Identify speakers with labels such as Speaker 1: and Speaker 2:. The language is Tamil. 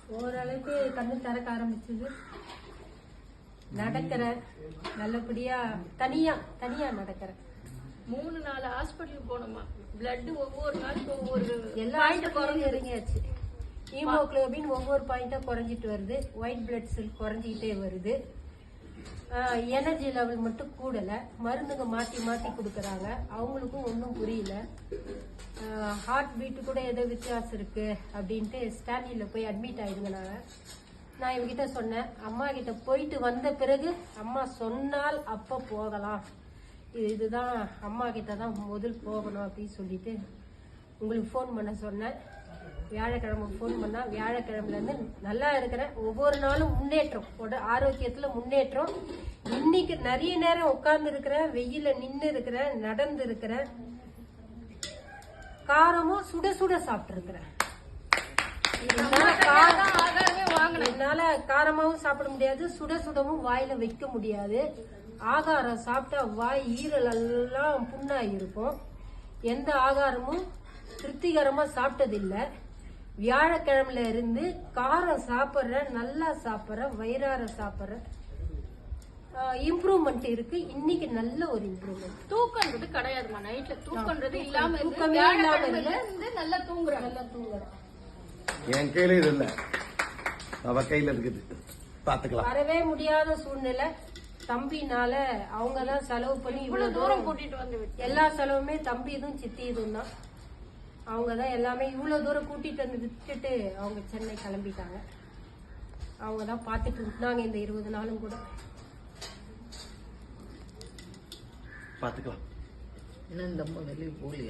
Speaker 1: ஓரளவுக்கு கண்ணு திறக்க ஆரம்பிச்சது. நடக்கிற நல்லபடியா தனியா நடக்கிறேன்.
Speaker 2: 3-4 ஹாஸ்பிட்டலுக்கு போனோமா. பிளட் ஒவ்வொரு நாளுக்கு ஒவ்வொரு
Speaker 1: எல்லா ஹாஸ்பிட்டலும் இறங்கியாச்சு. ஹீமோகுளோபின் ஒவ்வொரு பாயிண்டா குறைஞ்சிட்டு வருது. ஒயிட் பிளட் செல் குறைஞ்சிக்கிட்டே வருது. எனர்ஜி லெவல் மட்டும் கூடல. மருந்துங்க மாத்தி மாத்தி கொடுக்கறாங்க. அவங்களுக்கும் ஒன்றும் புரியல. ஹார்ட் பீட்டு கூட ஏதோ வித்தியாசம் இருக்கு அப்படின்ட்டு ஸ்டான்லியில போய் அட்மிட் ஆயிடுங்க. நான் இவங்கிட்ட சொன்னேன், அம்மா கிட்ட போயிட்டு வந்த பிறகு அம்மா சொன்னால் அப்ப போகலாம், இதுதான் அம்மா கிட்ட தான் முதல் போகணும் அப்படின்னு சொல்லிட்டு உங்களுக்கு ஃபோன் பண்ண சொன்னேன். வியாழக்கிழமை ஃபோன் பண்ணா வியாழக்கிழமைல இருந்து நல்லா இருக்கிறேன். ஒவ்வொரு நாளும் முன்னேற்றம், ஆரோக்கியத்துல முன்னேற்றம். இன்னைக்கு நிறைய நேரம் உட்கார்ந்து இருக்கிறேன், வெயில நின்று இருக்கிறேன், நடந்து இருக்கிறேன். காரமும் சுட சுட சாப்பிட்டு இருக்கிறேன். என்னால காரமாவும் சாப்பிட முடியாது, சுட சுடவும் வாயில வைக்க முடியாது. ஆகாரம் சாப்பிட்டா வாய் ஈரல் எல்லாம் புண்ணாகி இருக்கும். எந்த ஆகாரமும் திருப்திகரமா சாப்பிட்டதில்லை. வியாழக்கிழமையில இருந்து காரம் சாப்பிட்றேன், நல்லா சாப்பிட்றேன், வயிறார சாப்பிட்றேன். இம்ப்ரூவ்மெண்ட் இருக்கு. இன்னைக்கு நல்ல ஒரு இம்ப்ரூவ்மெண்ட்.
Speaker 2: தூக்கன்றது கிடையாதுமா. நைட்ல தூக்கன்றது இல்லாம
Speaker 1: தூக்கமே இல்லாம
Speaker 2: நல்லா தூங்குறேன்.
Speaker 3: என் கையில இது இல்ல, அவ கையில இருக்குது, பாத்துக்கலாம்.
Speaker 1: வரவே முடியாத சூழ்நிலை. தம்பினால அவங்கதான் செலவு பண்ணி இவ்வளவு தூரம்
Speaker 2: கூட்டிட்டு வந்து
Speaker 1: எல்லா செலவுமே தம்பி இதுவும் சித்தி இதுவும் தான். அவங்கதான் எல்லாமே இவ்வளவு தூரம் கூட்டிட்டு வந்து விட்டுட்டு அவங்க சென்னை கிளம்பிட்டாங்க. அவங்கதான் பாத்துட்டு இருந்தாங்க இந்த 20 நாளும் கூட.
Speaker 3: பாத்துக்கலாம்.
Speaker 4: இன்னும் இந்த அம்மா வெளியே போகலையா?